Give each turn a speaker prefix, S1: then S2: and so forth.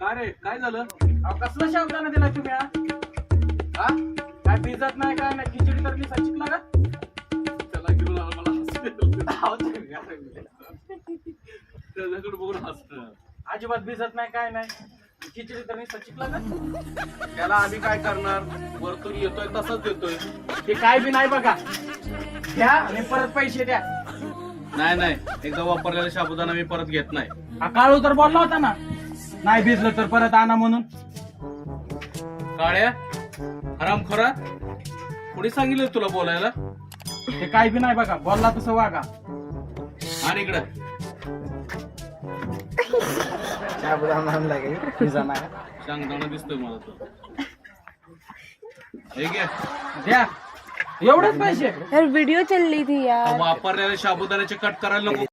S1: काय रे काय झालं?
S2: कसला शाबदाना दिला तुम्ही हा? काय भिजत नाही काय नाही खिचडी तर मी सचिकला का
S1: त्याला घेऊन आला, मला हसू त्याच्याकडे बघून हसत.
S2: अजिबात भिजत नाही काय नाही खिचडी तर मी सचिकला का
S1: त्याला आम्ही काय करणार? वरतून येतोय तसंच देतोय.
S2: ते काय बी नाही बघा द्या आणि परत पैसे द्या.
S1: नाही एकदा वापरलेला साबुदाणा मी परत घेत नाही.
S2: हा काळू तर बोलला होता ना नाही भिजलं तर परत आणा म्हणून.
S1: काळ्या हरामखोरा कोणी सांगितलं तुला बोलायला?
S2: ते काय बी नाही बघा बोलला तसं वागा.
S1: आणि इकडं सांगताना दिसतोय मला तो. हे घे.
S2: द्या एवढेच पैसे
S3: यार वीडियो चल रही थी यार.
S1: वापरलेल्या साबुदाण्याचे कट करायला नको.